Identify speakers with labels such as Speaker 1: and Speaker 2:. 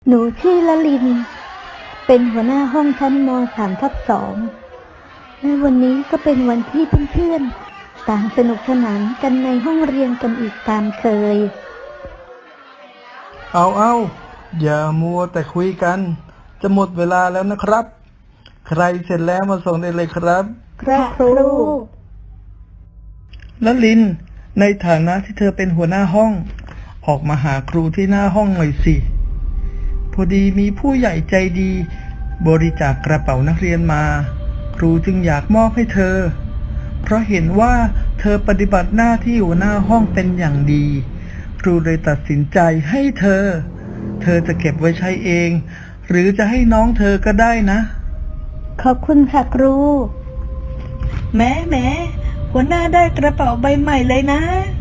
Speaker 1: หนูชื่อละลินเป็นหัวหน้าห้องชั้นม3/2และวันนี้ก็เป็นวันที่เพื่อนๆต่างสนุกสนานกันในห้องเรียนกันอีกตามเคย
Speaker 2: เอาอย่ามัวแต่คุยกันจะหมดเวลาแล้วนะครับใครเสร็จแล้วมาส่งได้เลยครับ
Speaker 1: ครับครู
Speaker 2: ละลินในฐานะที่เธอเป็นหัวหน้าห้องออกมาหาครูที่หน้าห้องหน่อยสิพอดีมีผู้ใหญ่ใจดีบริจาคกระเป๋านักเรียนมาครูจึงอยากมอบให้เธอเพราะเห็นว่าเธอปฏิบัติหน้าที่หัวหน้าห้องเป็นอย่างดีครูเลยตัดสินใจให้เธอจะเก็บไว้ใช้เองหรือจะให้น้องเธอก็ได้นะ
Speaker 1: ขอบคุณค่ะครู
Speaker 3: แหมหัวหน้าได้กระเป๋าใบใหม่เลยนะ